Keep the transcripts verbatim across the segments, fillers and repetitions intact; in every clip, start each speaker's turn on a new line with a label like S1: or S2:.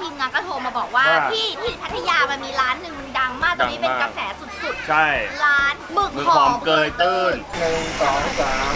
S1: ทีมงานก็โทรมาบอกว่าที่ที่พัทยามันมีร้านหนึ่งมันดังมากตอนนี้เป็นกระแสสุดๆใช่ร้านหมึกหอมเกยตื้นหนึ่งสองสาม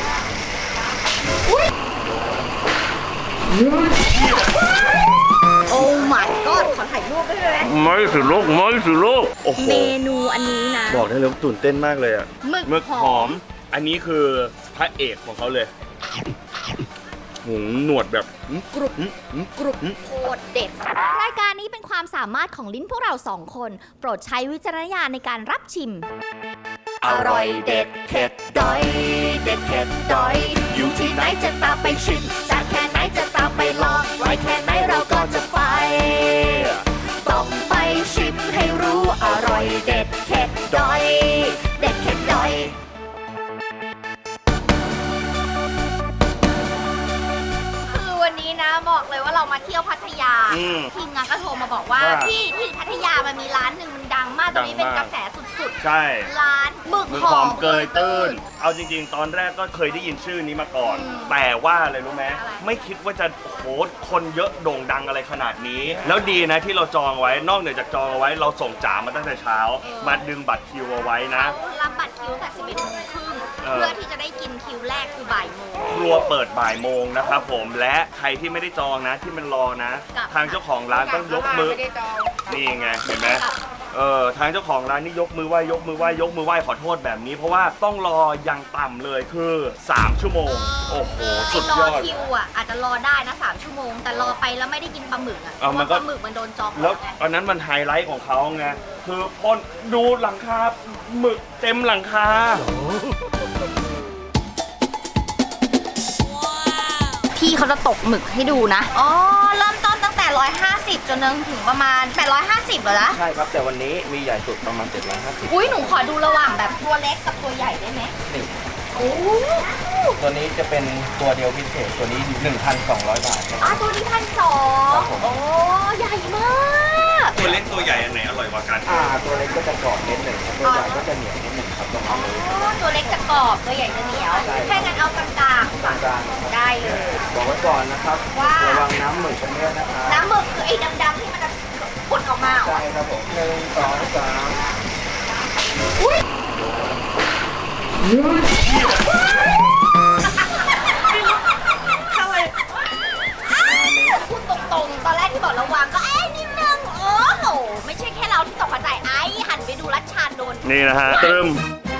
S1: โอ้ my god ขอถ่ายรูปได้ไหม
S2: ไม่สิลูกไม่สิลูก
S1: เมนูอันนี้นะ
S2: บอกได้เลยตื่นเต้นมากเลยอะ
S1: หมึกหอม
S2: อันนี้คือพระเอกของเขาเลยหูหนวดแบบกรุบกรุบ
S1: โคตรเด็ดรายการนี้เป็นความสามารถของลิ้นพวกเราสองคนโปรดใช้วิจารณญาณในการรับชิมอร่อยเด็ดเผ็ดดอยเด็ดเผ็ดดอยอยู่ที่ไหนจะตามไปชิมจากแค่ไหนจะตามไปลองไว้แค่ไหนเราก็จะไปต้องไปชิมให้รู้อร่อยเด็ดเผ็ดดอยเด็ดเผ็ดดอยวันนี้นะบอกเลยว่าเรามาเที่ยวพัทยาทีมงานก็โทรมาบอกว่าที่ที่พัทยามันมีร้านหนึ่งมันดังมากตอนนี้เป็นกระแสสุดๆใช่ร้านหมึกหอมเกยตื้น
S2: เอาจริงๆตอนแรกก็เคยได้ยินชื่อนี้มาก่อนแต่ว่าอะไรรู้ไหมไม่คิดว่าจะโหคนเยอะโด่งดังอะไรขนาดนี้แล้วดีนะที่เราจองไว้นอกเหนือจากจองเอาไว้เราส่งจ๋ามาตั้งแต่เช้ามาดึงบัตรคิวเอาไว้นะ
S1: รับบัตรคิวแต่สิบเอ็ดโมงครึ่งเพื่อที่จะได้กินคิวแรกคือบ่ายโมง
S2: ครัวเปิดบ่ายโมงนะครับผมและใครที่ไม่ได้จองนะที่มันรอนะทางเจ้าของร้านต้องยกมือนี่ไงเห็นไหมเออทางเจ้าของร้านนี่ยกมือไหว้ยกมือไหว้ยกมือไหว้ขอโทษแบบนี้เพราะว่าต้องรออย่างต่ำเลยคือสามชั่วโมงโอ้โหสุดยอด
S1: คิวอ่ะอาจจะรอได้นะสามชั่วโมงแต่รอไปแล้วไม่ได้กินปลาหมึกอ่ะเพราะปลาหมึกมันโดนจอง
S2: แล้วอันนั้นมันไฮไลท์ของเขาไงคือพอดูหลังคาหมึกเต็มหลังคา
S1: พี่เขาจะตกหมึกให้ดูนะอ๋อเริ่มต้นตั้งแต่หนึ่งร้อยห้าสิบจนถึงประมาณแปดร้อยห้าสิบเหรอจ๊ะ
S2: ใช่ครับแต่วันนี้มีใหญ่สุดประมาณเจ็ดร้อยห้าสิบ
S1: อุ้ยหนูขอดูระหว่างแบบตัวเล็กกับตัวใหญ่ได้ไหมนี่โอ้
S2: ตัวนี้จะเป็นตัวเดียวพิเศษตัวนี้ หนึ่งพันสองร้อย บาท
S1: อ๋อตัวนี้พันสองโอ้ใหญ่มาก
S2: ตัวเล็กตัวใหญ่อันไหนอร่อยกว่ากันอ่าตัวเล็กก็จะกรอบนิดหนึ่งตัวใหญ่ก็จะเหนียวนิดหนึ่งครับตรงนี้
S1: อ๋อตัวเล็กจะกรอบตัวใหญ่จะเหนียวแค่งั้นเอากลางๆกลางๆได้เลย
S2: บอกไว้ก่อนนะครับระวังน้ำหมึกกันเยอะนะครับ
S1: น้ำหมึกคือไอ้ดำๆที่มันจะพุ่งออกมา
S2: ใช่ครับผมหนึ่งสองสาม
S1: อุ้ยทำไมพูดตรงๆตอนแรกที่บอกระวังก็เอ๊ะนิดนึงโอ้โหไม่ใช่แค่เราที่ตกใจไอ้หันไปดูรัชชานโดน
S2: นี่นะฮะเติม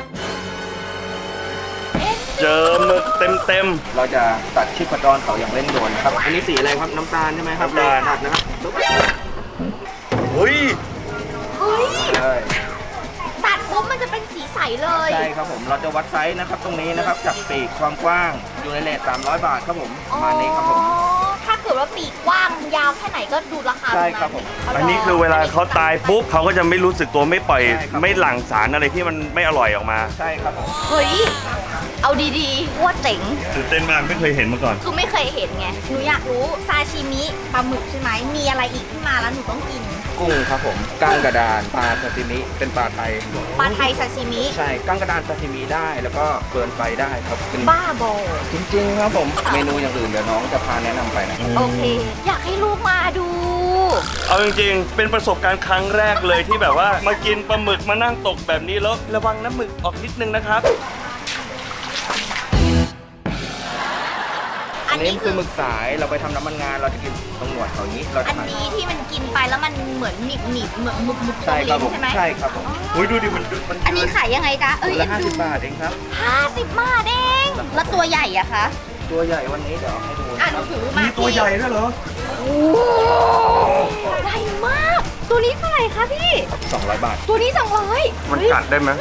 S2: เจอหมึกเต็มเต็มเราจะตัดชีพจรเขาอย่างเร่งด่วนครับอันนี้สีอะไรครับน้ำตาลใช่ไหมครับน้ำตาลนะครับเฮ้ย
S1: เฮ้ยตัดปุ๊บมันจะเป็นสีใสเลย
S2: ใช่ครับผมเราจะวัดไซส์นะครับตรงนี้นะครับจากปีกความกว้างอยู่ในเรทสามร้อยบาทครับผมประมาณนี้ครับผม
S1: ถ้าเกิดว่าปีกกว้างยาวแค่ไหนก็ดูราคา
S2: ใช่ครับผมอันนี้คือเวลาเขาตายปุ๊บเขาก็จะไม่รู้สึกตัวไม่ปล่อยไม่หลั่งสารอะไรที่มันไม่อร่อยออกมาใช่ครับผม
S1: เฮ้ยเอาดีๆว่าเจ๋ง
S2: ตื่นเต้นมากไม่เคยเห็นมาก่อน
S1: คือไม่เคยเห็นไงหนูอยากรู้ซาชิมิปลาหมึกใช่ไหมมีอะไรอีกที่มาแล้วหนูต้องกิน
S2: กุ้งครับผมก้างกระดานปลาซาชิมิเป็นปลาไทย
S1: ปลาไทยซาชิมิ
S2: ใช่ก้างกระดานซาชิมิได้แล้วก็เบิร์นไฟได้ครับเป็น
S1: บ้าบอ
S2: จริงๆครับผมเมนูอย่างอื่นเดี๋ยวน้องจะพาแนะนำไปนะ
S1: โอเคอยากให้ลูกมาดู
S2: เอาจริงๆเป็นประสบการณ์ครั้งแรกเลยที่แบบว่ามากินปลาหมึกมานั่งตกแบบนี้แล้วระวังน้ำหมึกออกนิดนึงนะครับอันนี้คือหมึกสายเราไปทำน้ำมันงานเราจะกินตรงหนวดเขานี้เรา
S1: อันนี้ที่มันกินไปแล้วมันเหมือนหนีบหนีบเหมือนหมึกหมึก
S2: ใช่ครับผมใช่ไหมใช่ครับผมอุ้ยดูดิมันมัน
S1: อันนี้ขายยังไงจ๊ะเอ้ย
S2: ห้าสิบบาทเองครับ
S1: ห้าสิบบาทเองแล้วตัวใหญ่อะคะ
S2: ตัวใหญ่วันนี้เดี๋ยวให้ดู
S1: อ่ะหนูถือมา
S2: มีตัวใหญ่ด้วยเหรอ
S1: โอ้ใหญ่มากตัวนี้เท่าไหร่คะพี่
S2: สองร้อยบาท
S1: ตัวนี้สองร้อย
S2: มันกัดได้ไหม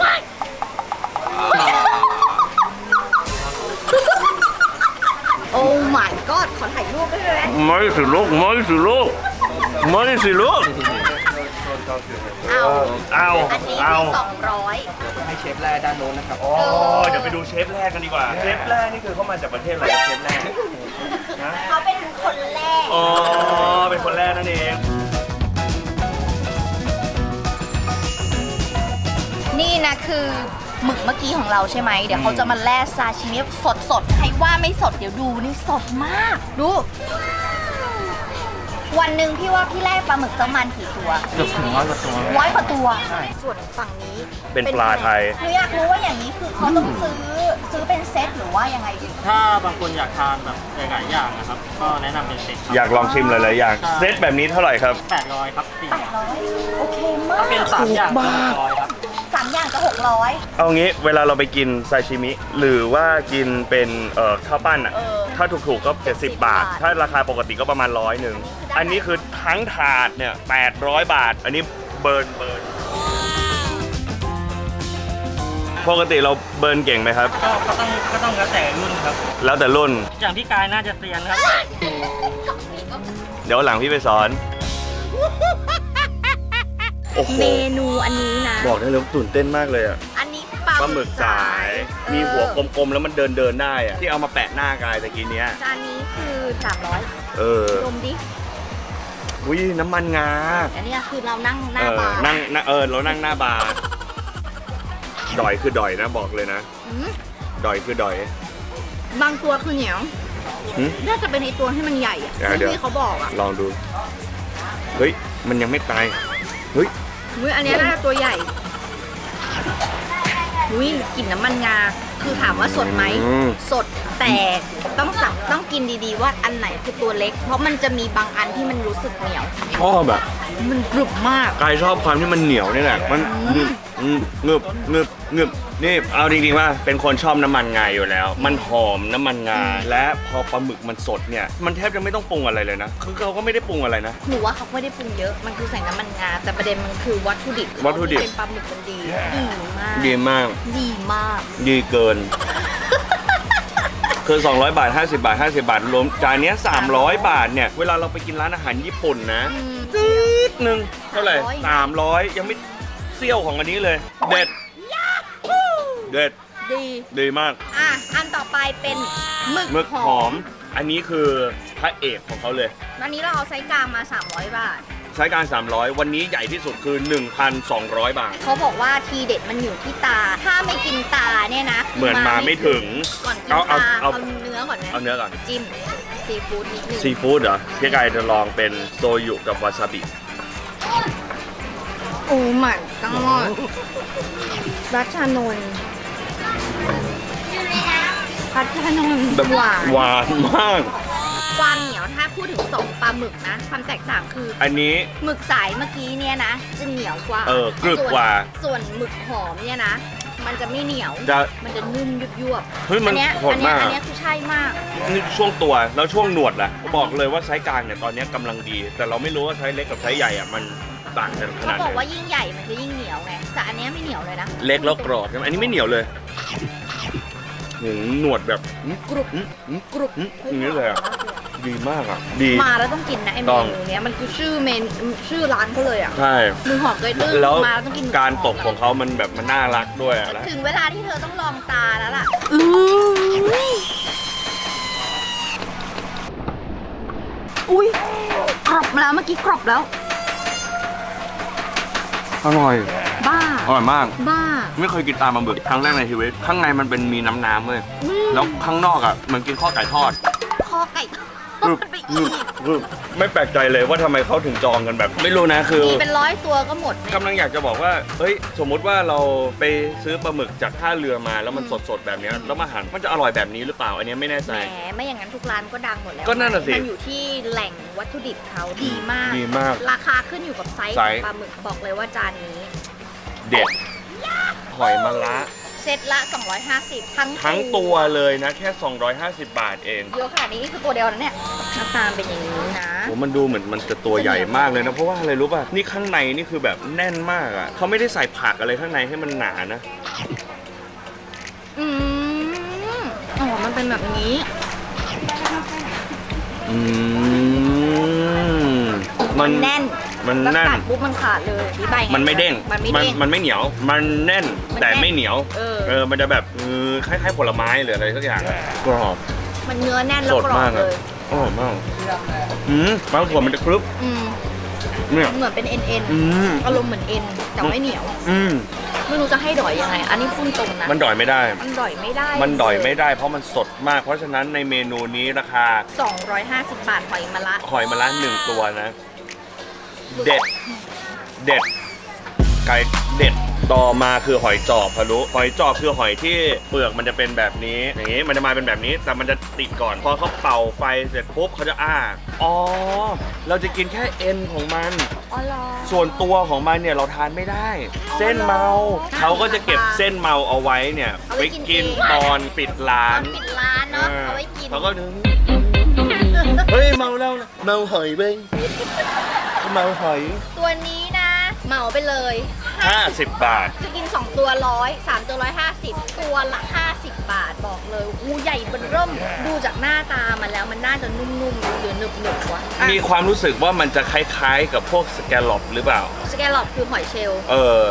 S1: โอ้ my god ขอถ่ายรูปได้ไหม
S2: ไม่สิลูกไม่สิลูกไม่สิลูก
S1: เอา
S2: เอา
S1: อันนี้สองร้อย
S2: ให้เชฟแรกด้านโน้นนะครับอ๋อเดี๋ยวไปดูเชฟแรกกันดีกว่าเชฟแรกนี่คือเขามาจากประเทศอะไรเชฟแรก
S1: นะเขาเป็นคนแรก
S2: อ๋อเป็นคนแรกนั่นเอง
S1: นี่นะคือหมึกเมื่อกี้ของเราใช่ไหมเดี๋ยวเขาจะมาแล่ซาชิมิสดสดใครว่าไม่สดเดี๋ยวดูนี่สดมากดูโวันหนึ่งพี่ว่าพี่แล่ปลาหมึกประมาณกี่ตัว
S3: เกือบถึงร้อยกว่าตัว
S1: ร้อยกว่าตัว ส่วนฝั่งนี้
S2: เป็นปลาไทย
S1: หนูอยากรู้ว่าอย่างนี้คือเขาต้องซื้อซื้อเป็นเซตหรือว่ายังไงดี
S3: ถ้าบางคนอยากทานแบบหลายๆอย่างนะครับ ก็แนะนำเป็นเซ็ต
S2: อยากลองชิมหลายๆอย่างเซตแบบนี้เท่าไหร่ครับ
S3: แปดร้อยครับสี่
S1: แปดร้อยโอเคมาก
S3: ถ้าเป็นสามอย่าง
S2: ถูกมาก
S3: ร้อยครับ
S1: สามอย่างจะหกร้อย
S2: เอางี้เวลาเราไปกินซาชิมิ หรือว่ากินเป็นเอ่อข้าวปั้นอ่ะ
S1: เออ
S2: ถ้าถูกๆก็เจ็ดสิบบาท ถ้าราคาปกติก็ประมาณร้อยหนึ่งอันนี้คือทั้งถาดเนี่ยแปดร้อยบาท อันนี้เบิร์นเบิร์นปกติเราเบิร์นเก่งไหมครับ
S3: ก็ก็ต้องก็ต้องแล้วแต่รุ่นครับ
S2: แล้วแต่รุ่น
S3: อย่างพี่กายน่าจะเซียนครับ
S2: เดี๋ยวหลังพี่ไปสอนโอ้โห
S1: เมนูอันนี้นะ
S2: บอกได้เลยว่าตื่นเต้นมากเลยอ่ะ
S1: อันนี้
S2: ปลาหมึกสาย มีหัวกลมๆแล้วมันเดินเดินๆได้อ่ะที่เอามาแปะหน้ากายตะกี้เนี้ย
S1: จานนี้คือสามร้อย
S2: เออ
S1: ดมดิ
S2: อุ้ยน้ำมันงา
S1: อันนี้คือเรานั่งห
S2: เอ
S1: น้า
S2: อบ
S1: าร์
S2: นั่งนั่งเออเรานั่งหน้าบาร์ดอยคือดอยนะบอกเลยนะ
S1: อืม
S2: ดอยคือดอย
S1: บางตัวคือเหนียว
S2: หึ
S1: น่าจะเป็นในตัวที่มันใหญ่อะ
S2: เดี๋ยวเดี๋ยว
S1: ที่เขาบอกอะ
S2: ลองดู เฮ้ย มันยังไม่ตาย เฮ้ย
S1: อุ้ยอันนี้น่าจะตัวใหญ่อุ้ยกลิ่นน้ำมันงา คือถามว่าสดไหม
S2: อืม
S1: สดแต่ต้องสับต้องกินดีๆว่าอันไหนคือตัวเล็ก เพราะมันจะมีบางอันที่มันรู้สึกเหนียว
S2: ชอบแบบ
S1: มันกรุบมาก
S2: กายชอบความที่มันเหนียวนี่แหละ มันงึบงึบงึบงึบงึบนี่เอาจริงๆว่าเป็นคนชอบน้ำมันงาอยู่แล้ว มันหอมน้ำมันงา และพอปลาหมึกมันสดเนี่ย มันแทบจะไม่ต้องปรุงอะไรเลยนะ คือเขาก็ไม่ได้ปรุงอะไรนะ
S1: หนูว่าเขาไม่ได้ปรุงเยอะ มันคือใส่น้ำมันงา แต่ประเด็นมันคือวัตถุดิบ
S2: วัตถุดิบ
S1: เป็นปลาหมึกมันดี ดีมาก
S2: ดีมาก
S1: ดีมาก
S2: ดีเกิน คือ สองร้อย บาท ห้าสิบ บาท ห้าสิบ บาท รวมจานเนี้ยสามร้อย บาทเนี่ย เวลาเราไปกินร้านอาหารญี่ปุ่นนะ
S1: อืม
S2: นิดนึงเท่าไหร่
S1: สามร้อย
S2: สามร้อยยังไม่เซี่ยวของอันนี้เลย เด็ด เด็ด
S1: ดี
S2: ดีมาก
S1: อ่ะ อันต่อไปเป็นหมึก
S2: หมึก
S1: ห
S2: ห
S1: อ
S2: อ
S1: ม
S2: ม อันนี้คือพระเอกของเขาเลย
S1: วันนี้เราเอาไซส์กลางมา สามร้อย บาท
S2: ใช้การ สามร้อย วันนี้ใหญ่ที่สุดคือ หนึ่งพันสองร้อย บาท
S1: เขาบอกว่าทีเด็ดมันอยู่ที่ตา ถ้าไม่กินตาเนี่ยนะ
S2: เหมือนมาไม่ถึง
S1: ก่อนกิน
S2: เอาเอา
S1: ตา
S2: เอา
S1: เอาเนื้อก่อนไหม
S2: เอาเนื้อก่อน
S1: จิ้มซีฟู้ดนิดนึง
S2: ซีฟู้ดเหรอพี่กายจะลองเป็นโซยุกับวาซาบิ
S1: โอ้มันกังอดรัชานนท์รัชานนท์
S2: แบบ
S1: หวาน
S2: หวานมาก
S1: ความเหนียวถ้าพูดถึงสองปลาหมึกนะ ความแตกต่างคือ
S2: อันนี้
S1: หมึกสายเมื่อกี้เนี่ยนะ จะเหนียวกว่า
S2: เออกรึบกว่า
S1: ส่วนส่วนหมึกหอมเนี่ยนะ มันจะไม่เหนียว
S2: จะ
S1: มันจะนุ่มยุบยวบ
S2: เฮ้ยมัน
S1: อัเนี้ย
S2: โหด
S1: อัเนี้ย
S2: มาก
S1: อันเนี้ยคือใช่มาก
S2: นี่ช่วงตัวแล้วช่วงหนวดล่ะบอกเลยว่าไซส์กลางเนี่ยตอนนี้กำลังดี แต่เราไม่รู้ว่าไซส์เล็กกับไซส์ใหญ่อะมันต่างกันข
S1: เขา
S2: นาด
S1: บอก
S2: ไหน
S1: ว่ายิ่งใหญ่มันจะยิ่งเหนียวไง แต่อันเนี้ยไม่เหนียวเลยนะ
S2: เล็กแล้วกรอบใช่ไหมอันนี้ไม่เหนียวเลยหืมหนวดแบบ
S1: กรุบ
S2: หืมหืม
S1: กรุบ
S2: หืมอย่างนี้เลยอะดีมากอ่ะดี
S1: มาแล้วต้องกินนะไอเม
S2: ต้อง
S1: นูเนี้ยมันคือชื่อเมนชื่อร้านเขาเลยอ่ะ
S2: ใช่
S1: หมึกหอมเกยตื้น
S2: แล้ว
S1: มาแล้วต้องกินหมึ
S2: การ
S1: หม
S2: ตกของเขามันแบบมันน่ารักด้วยอะแล้ว
S1: ถึงเวลาที่เธอต้องลองตาแล้วล่ะอุ้ยกรอบแล้วเมื่อกี้กรอบแล้ว
S2: อร่อย
S1: บ้า
S2: อร่อยมาก
S1: บ้า
S2: ไม่เคยกินตามปลาหมึกครั้งแรกในชีวิตข้างในมันเป็นมีน้ำน้ำๆเลย
S1: อืม
S2: แล้วข้างนอกอ่ะเหมือนกินข้อไก่ทอด
S1: คอไก่ทอ
S2: กรึ
S1: ด
S2: บ
S1: ไป
S2: ก
S1: อี
S2: รึ
S1: ก
S2: บกรึบไม่แปลกใจเลยว่าทำไมเขาถึงจองกันแบบ ไม่รู้นะคือ
S1: มีเป็นร้อยตัวก็หมดเนี่ย
S2: กำลังอยากจะบอกว่าเฮ้ยสมมุติว่าเราไปซื้อปลาหมึกจากท่าเรือมาแล้วมันสดๆแบบเนี้ยแล้วมาหั่นมันจะอร่อยแบบนี้หรือเปล่าอันเนี้ยไม่แน่ใจ
S1: แหมไม่อย่างนั้นทุกร้านก็ดังหมดแล้ว
S2: ก็นั่นน่ะสิ
S1: มันอยู่ที่แหล่งวัตถุดิบเขาดีมาก
S2: ดีมาก
S1: ราคาขึ้นอยู่กับไซส์
S2: ไซ
S1: ขอ
S2: ส์
S1: งปลาหมึกบอกเลยว่าจานนี้
S2: เด็ดหอยมะระ
S1: เซตละ สองร้อยห้าสิบ ทั้ง
S2: ทั้งตัวเลยนะแค่ สองร้อยห้าสิบ บาทเอง
S1: เยอะขนาดนี้นี่คือตัวเดียวนะเนี่ยหน้าตาเป็นอย่างนี้นะ
S2: โหมันดูเหมือนมันจะตัวใหญ่มากเลยนะเพราะว่าอะไรรู้ป่ะนี่ข้างในนี่คือแบบแน่นมากอ่ะเขาไม่ได้ใส่ผักอะไรข้างในให้มันหนานะ
S1: อืมอ๋อมันเป็นแบบนี้
S2: อืม
S1: มันแน่น
S2: มัน
S1: แล้ว
S2: แน่น
S1: กัดปุ๊บมันขาดเลยอธิบายไง
S2: มันไม่เด้ง
S1: มันไม่เด้ง
S2: มันไม่เหนียว มันแน่น
S1: มัน
S2: แต่
S1: แน่น
S2: ไม่เหนียว
S1: เออ
S2: เออ มันจะแบบเออคล้ายๆผลไม้หรืออะไรสักอย่างอะกรอบ
S1: มันเนื้อแน่นแล้
S2: ส
S1: ว
S2: ด
S1: กรอ
S2: มา
S1: บ
S2: ก
S1: เล
S2: อะ
S1: ย
S2: อร่อยมากอืมบางส่วนมันจะกรึบ
S1: อืม
S2: เนี่ย
S1: เหมือนเป็นเอ็นเอ็น
S2: อืม
S1: อารมณ์เหมือนเอ็นแต่ไม่เหนียว
S2: อืม
S1: ไม่รู้จะให้ดอยยังไง อันนี้พูดตรงนะ
S2: มันดอยไม่ได้
S1: มันดอยไม่ได้
S2: มันดอยไม่ได้เพราะมันสดมาก เพราะฉะนั้นในเมนูนี้ราคา
S1: สองร้อยห้าสิบบาทหอยมะระ
S2: หอยมะระหนึ่งตัวนะ เด็ด เด็ด ไก่เด็ด ต่อมาคือหอยจอบพะลุหอยจอบคือหอยที่เปลือกมันจะเป็นแบบนี้ อย่างนี้มันจะมาเป็นแบบนี้ แต่มันจะติดก่อน พอเขาเป่าไฟเสร็จปุ๊บเขาจะอ้า อ๋อ เราจะกินแค่เอ็นของมัน
S1: อ๋อเหรอ
S2: ส่วนตัวของมันเนี่ยเราทานไม่ได้ เส้นเมา เขาก็จะเก็บเส้นเมาเอาไว้เนี่ย
S1: เอาไว้
S2: ไว้
S1: กิน
S2: กิน
S1: เอง
S2: ตอนปิดร้า
S1: ตอน นปิดร้านเนาะเอาไว้กิน
S2: เขาก็นึกเฮ้ยเมาแล้วนะเมาหอยเบ้งเมาหอย
S1: ตัวนี้นะ เหมาไปเลย
S2: ห้าสิบบาท
S1: จะกินสองตัวร้อยสามตัวร้อยห้าสิบตัวละห้าสิบบาทบอกเลยอู้ใหญ่เบิ่มเริ่มดูจากหน้าตามันแล้วมันน่าจะนุ่มๆหรือหนึบๆวะอ่ะ
S2: มีความรู้สึกว่ามันจะคล้ายๆกับพวกสแกลล็อปหรือเปล่า
S1: สแกลล็อปคือหอยเชลล์
S2: เออ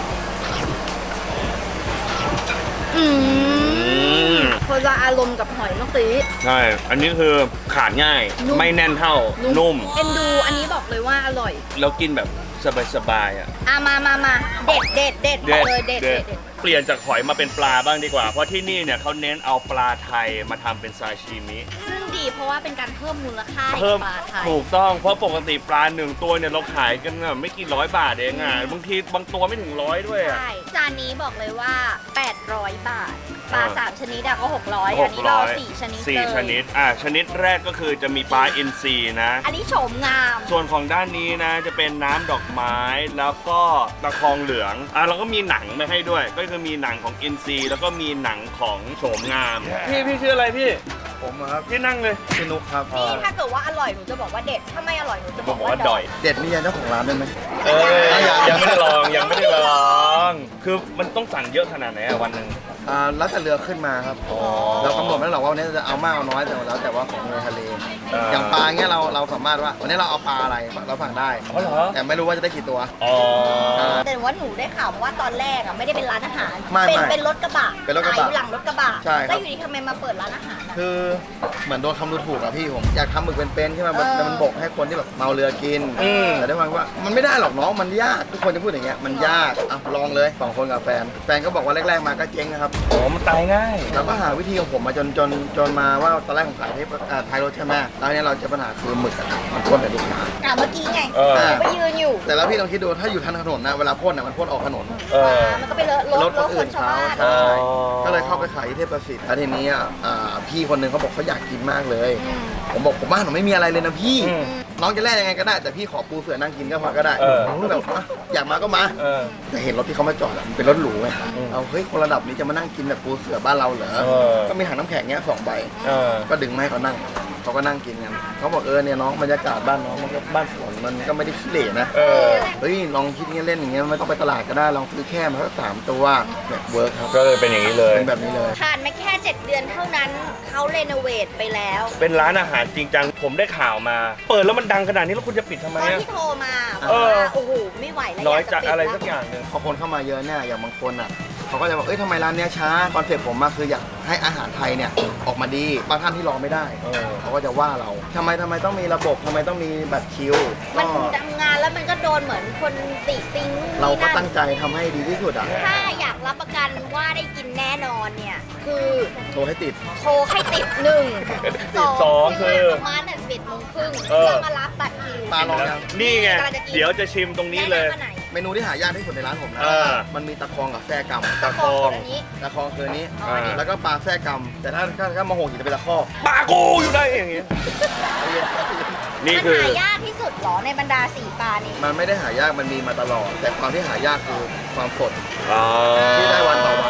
S1: อืม
S2: ม
S1: คนละอารมณ์กับหอยเมื่อกี้
S2: ใช่ อันนี้คือขาดง่าย
S1: นุ่ม
S2: ไม่แน่นเท่า นุ่ม
S1: เอ็นดูอันนี้บอกเลยว่าอร่อย
S2: แล้วกินแบบสบายๆอ่ะ
S1: อ่ะมามามาเด็ดเด็ดเด็ดบอกเลยเด็ดเด็ดเด็ด
S2: เปลี่ยนจากหอยมาเป็นปลาบ้างดีกว่า เพราะที่นี่เนี่ยเขาเน้นเอาปลาไทยมาทำเป็นซาชิมิ
S1: ซึ่งดีเพราะว่าเป็นการเพิ่มมูลค่าให้
S2: เพิ่ม
S1: กับปลาไทย
S2: ถูกต้อง เพราะปกติปลาหนึ่งตัวเนี่ยเราขายกันน่ะไม่กี่ร้อยบาทเองอ่ะ บางทีบางตัวไม่ถึงร้อยด้วยอ่ะ
S1: ใช่จานนี้บอกเลยว่า แปดร้อย บาท ปลา
S2: อ่า
S1: สามชนิดอะก็หกร้อยอันนี้เราสี่ชนิด
S2: สี่
S1: เลย
S2: ชนิด อ่ะชนิดแรกก็คือจะมีปลาอินทรีนะ
S1: อันนี้โฉมงาม
S2: ส่วนของด้านนี้นะจะเป็นน้ำดอกไม้แล้วก็ตะคองเหลืองอ่ะเราก็มีหนังมาให้ด้วย ก็คือมีหนังของอินซีแล้วก็มีหนังของโฉมงาม พี่พี่ชื่ออะไรพี่
S4: ผมอะครับ
S2: พี่นั่งเลย
S4: พี่นุกครับ
S1: นี่ถ้าเกิดว่าอร่อยหนูจะบอกว่าเด็ด ถ้าไม่อร่อยหนูจะบอก
S2: บอก
S1: ว่า
S2: ว่า
S1: ด
S2: ด
S1: อ
S2: อย ย
S4: เด็ดนี่ยังเจ้าของร้านได้ไหม
S2: เอ้ย
S4: ยัง
S2: ยังไม่ได้ลองยังไม่ได้ลอง คือมันต้องสั่งเยอะขนาดไหนอะวันหนึ่ง
S4: อ่าแล้วแต่เรือขึ้นมาครับ
S2: อ๋อ
S4: เรากำหนดไม่ได้หรอกว่าวันนี้จะเอามากเอาน้อยแต่แล้วแต่ว่าของในทะเล
S2: อ่า
S4: อย่างปลาเงี้ยเราเราสามารถว่าวันนี้เราเอาปลาอะไรเราสั่งได้
S2: อ๋อเหรอ
S4: แต่ไม่รู้ว่าจะได้กี่ตัว
S2: อ๋อ
S1: แต่ว่าหนูได้ข่าวมาว่าตอนแรกอะไม่ได้เป็นร้านอาหาร
S4: ไม่
S1: เป็น
S4: ไม่
S1: เป็นรถกระบะ
S4: เป็นรถกระบะ
S1: ขายอยู่หลังรถกระบะ
S4: ใช่ครับ
S1: แล้วอยู่ดีทำไมมาเปิดร้านอาหารอะ
S4: คือเหมือนโดนคำดูถูกอะพี่ผมอยากทำหมึกเป็นๆที่มันแบบ
S1: เออ
S4: แต่มันบกให้คนที่แบบเมาเรือกิน
S2: อืม
S4: แต่ด้วยความว่ามันไม่ได้หรอกน้องมันยากทุกคนจะพูดอย่างเงี้ยมันยากอ่ะลองเลยสองคนกับแฟน แฟนก็บอกว่าแรกๆมาก็เจ๊งนะครับ
S2: อ๋อมันตายง่าย
S4: เราก็หาวิธีของผมมาจนจนจนมาว่าตอนแรกผมขายที่อ่าท้ายรถใช่ไหมแล้วเนี่ยเราเจอปัญหาคือหมึกอะมันพ่นแต่ลูกค้า
S1: อ่ะเมื่อกี้ไง
S2: เออ
S1: หนูไปยืนอยู่
S4: แต่แล้วพี่ลองคิดดูถ้าอยู่ทางถนนนะเวลาพ่นอะมันพ่นออกถนน
S2: เออ
S1: มันก็ไปเลอะรถ
S4: รถ
S1: ร
S4: ค
S1: ถ
S4: น
S1: ค
S4: อื่
S1: น
S4: น
S1: ชาว
S4: เขา
S1: บ้าน
S4: ใช่
S2: อ๋อ
S4: ก็เลยเข้าไปขายที่เทพประสิทธิ์แล้วทีนี้อ่ะอ่าพี่คนหนึงเขาบอกเขาอยากกินมากเลย
S1: อืม
S4: ผมบอกผมบ้านผมไม่มีอะไรเลยนะพี่
S2: อืม
S4: น้องจะแลกยังไงก็ได้ แต่พี่ขอปูเสือนั่งกินก็พอก็ได้
S2: เออ
S4: ผมก็แบบอ่ะอยากมาก็มา
S2: เออ
S4: แต่เห็นรถที่เขามาจอดอะมันเป็นรถหรูไง
S2: อืม
S4: เอาเฮ้ยคนระดับนี้จะมานั่งกินแบบปูเสือบ้านเราเหรอ
S2: เออ
S4: ก็มีถังน้ำแข็งเงี้ยสองใบ
S2: เออ
S4: ก็ดึงมาให้เขานั่งเขาก็นั่งกินกันเขาบอกเออเนี่ยน้องบรรยากาศบ้านน้องมันก็บ้านสวนมันก็ไม่ได้ขี้เหร่นะ
S2: เออ
S4: เฮ้ยลองคิดเงี้ยเล่นอย่างเงี้ยไม่ต้องไปตลาดก็ได้ลองซื้อแค่มาสักสามตัวแบบเวิร์กครับ
S2: ก็เลยเป็นอย่างนี้เลย
S4: เป็นแบบนี้เลย
S1: ผ่านมาแค่เจ็ดเดือนเท่านั้นเขาเรโนเวทไปแล้ว
S2: เป็นร้านอาหารจริงจัง ผมได้ข่าวมา เปิดแล้วมันดังขนาดนี้แล้วคุณจะปิดทำไม
S1: ตอน
S2: อะ
S1: ที่โทรมา
S4: เออ
S1: ว่าโอ้โหไม่ไหวแล้ว
S2: น้อย
S1: าก
S2: จาก
S1: ปิด
S2: อะไร
S1: แล้ว
S2: สักอย่างหนึ่ง
S4: พอคนเข้ามาเยอะเนี่ยอย่างบางคนอ่ะเขาก็จะบอกเอ้ยทำไมร้านเนี้ยช้าคอนเซ็ปต์ผมมาคืออยากให้อาหารไทยเนี่ยออกมาดีบางท่านที่รอไม่ได้
S2: เออ
S4: เขาก็จะว่าเราทำไมทำไมต้องมีระบบทำไมต้องมีบัตรคิว
S1: มัน
S4: ก็
S1: ทำงานแล้วมันก็โดนเหมือนคนติติงนู่น
S4: เรา
S1: นี่
S4: ก็
S1: นั่น
S4: ตั้งใจทำให้ดีที่สุดอ่ะ
S1: ถ้าอยากรับประกันว่าได้กินแน่นอนเนี่ย คือ
S4: โทรให้ติด
S1: โทรให้ติดหนึ่ง
S2: สองคือ
S1: ประมาณสิบเอ็ดโมงครึ่ง
S2: เออ
S1: เพื่อมารับบัตรคิว
S4: ปลาลองยัง
S2: นี่ไง
S1: กำลังจะกิน
S2: เดี๋ยวจะชิมตรงนี้เลย
S1: แะำอันไหน
S4: เมนูที่หายากที่สุดในร้านผมนะ
S2: เออ
S4: มันมีตะคองกับแส้กำ
S2: ตะคอง
S1: อันนี้
S4: ตะคองคืออนนี้
S1: อ๋ออันนี้
S4: แล้วก็ปลาแส้กำแต่ถ้าถ้าถ้ามาโหงหินจะเป็นตะคอก
S2: ปลากูอยู่ได้อย่างงี้ นี่
S1: มัน
S2: คือ
S1: หายากที่สุดเหรอในบรรดาสี่ปลานี้
S4: มันไม่ได้หายากมันมีมาตลอด แต่ความที่หายากคือความสด
S2: อ๋อ
S4: ที่ได้วันต่อวัน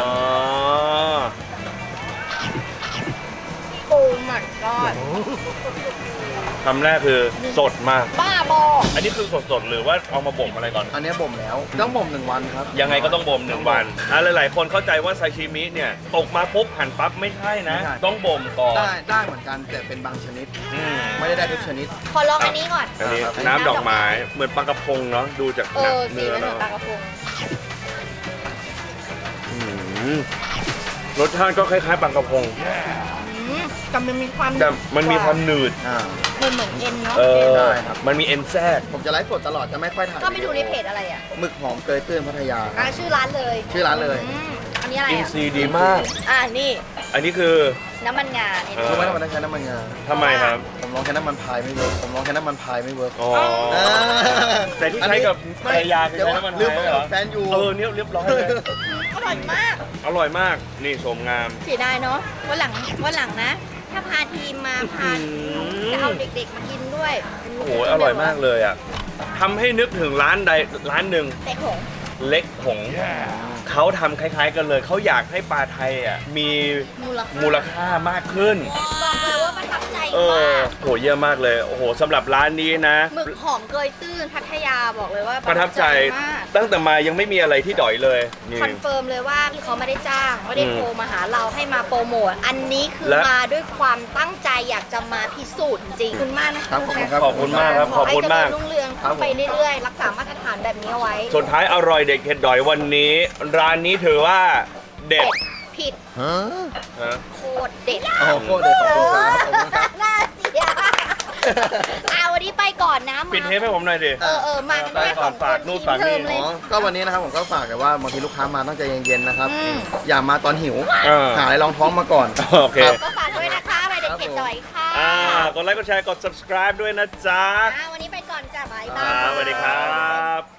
S1: โอ้มันก็
S2: คำแรกคือสดมาก
S1: บ้าบอ
S2: อันนี้คือสดๆหรือว่าเอามาบ่มอะไรก่อน
S4: อันนี้บ่มแล้วต้องบ่มหนึ่งวันครับ
S2: ยังไงก็ต้องบ่มหนึ่งวันอ่ะหลายๆ คนเข้าใจว่าซาชิมิเนี่ยตกมาปุ๊บหั่นปั๊บไม่ใช่นะ
S4: ไม่ใช่
S2: ต้องบ่มก่อน
S4: ได้ได้เหมือนกันแต่เป็นบางชนิด
S2: อืม
S4: ไม่ได้ได้ทุกชนิด
S1: ขอลองอันนี้ก่อน
S2: อันนี้
S4: ครับ
S2: น้ำดอกไม้เหมือนปลากระพงเนาะดูจาก
S1: เออสี
S2: เนื้อ
S1: มันเหมือ
S2: เนาะ
S1: นปลากระพง
S2: อืมรสชาติก็คล้ายๆปลากระพง
S1: อืมกับมันมีความ
S2: แต่มันมีความหนืด
S4: อ่า
S1: เหมือนเหมือนเอ็นเนาะ
S2: เออ
S4: ได้ครับ
S2: มันมีเอ็นแทรก
S4: ผมจะไลฟ์สดตลอดจะไม่ค่อยถ่าย
S1: ก็ไปดูในเพจอะไรอ่ะ
S4: หมึกหอมเกยตื้นพัทยา
S1: อ่ะชื่อร้านเลย
S4: ชื่อร้านเลย
S1: อืมอันนี้อะไร
S2: อิน
S1: อ่ะ
S2: ซีย์ดีมาก
S1: อ่านี่
S2: อันนี้คือ
S1: น้ำมันงาเนี่ย
S2: เออ
S4: รู้ไหมทำไมต้องใช้น้ำมันงา
S2: ทำไมครับ
S4: ผมลองใช้น้ำมันพายไม่เวิร์กผมลองใช้น้ำมันพายไม่เวิร์ก
S2: อ๋อ
S4: อ่า
S2: แต่ที่ใช้กับภรรยาคือ
S4: เดี๋ยว
S2: ใช้น้ำมัน
S4: ลืม
S2: ไท
S4: ไป
S2: ยเหร
S4: กั
S2: อบ
S4: แฟนอยู่
S2: เออเนี่ยเรียบร้อยเลย
S1: อร่อยมาก
S2: อร่อยมาก นี่โฉมงาม
S1: เสียดายเนาะวันหลังวันหลังนะ ถ้าพาทีมมาพา
S2: อืม
S1: จะเอาเด็กๆมากินด้วย
S2: โอ้โห อร่อยมากเลยอ่ะทำให้นึกถึงร้านใดร้านหนึ่ง
S1: เด็กหง
S2: เล็กหงเขาทำคล้ายๆกันเลย เขาอยากให้ปลาไทยอ่ะมี
S1: มูลค่า
S2: มูลค่ามากขึ้น
S1: บอกเลยว่าประทับใจ
S2: เออ
S1: มาก
S2: โหเยี่ยมมากเลย โอ้โหสำหรับร้านนี้นะ
S1: หมึกหอมเกยตื้นพัทยาบอกเลยว่า
S2: ประทับใจ
S1: มาก
S2: ตั้งแต่มายังไม่มีอะไรที่ดอยเลยนี่
S1: คอนเฟิร์มเลยว่าพี่เขาไม่ได้จ้างไม่ได้
S2: อืม
S1: โทรมาหาเราให้มาโปรโมทอันนี้คือ
S2: และ
S1: มาด้วยความตั้งใจอยากจะมาพิสูจน์จริงๆขอบคุณมากนะครับ
S4: ขอบคุณครับ
S2: ขอบคุณมากครับขอบคุณมาก
S1: ขอให้เจริญรุ่งเรือง
S4: ครับผม
S1: ไปเรื่อยๆรักษามาตรฐานแบบนี้เอาไว้
S2: สุดท้ายอร่อยเด็กเห็ดดอยวันนี้ ร้านนี้ถือว่าเด็ด
S1: ผิด
S4: ฮะ
S2: ฮะ
S1: โคตรเด็ด
S4: โอ้โหโคตรเด็ดขอบคุณครับขอบคุณครับ
S1: น่าเสียอ่าวันนี้ไปก่อนนะมา
S2: ปิดเทปให้ผมหน่อยดิ
S1: เออเออมากันแค่สองค
S2: ฝาก
S1: น
S2: นู่น
S1: ทีม
S2: ฝากนี่
S1: เทอมเลย
S4: อ๋อก็วันนี้นะครับผมก็ฝากกันว่าบางทีลูกค้ามาต้องใจเย็นๆนะครับ
S1: อืม
S4: อย่ามาตอนหิว
S2: เออ
S4: หาอะไรรองท้องมาก่อน
S2: โอเค
S4: ครับ
S1: ก็ฝากด้วยนะคะไปเด็กเข็ดดอยค่ะ
S2: อ่ากดไลค์กดแชร์กด subscribe ด้วยนะจ๊ะ
S1: อ่าวันนี้ไปก่อนจ้ะบายบา
S2: อ่าย สวัสดีครับ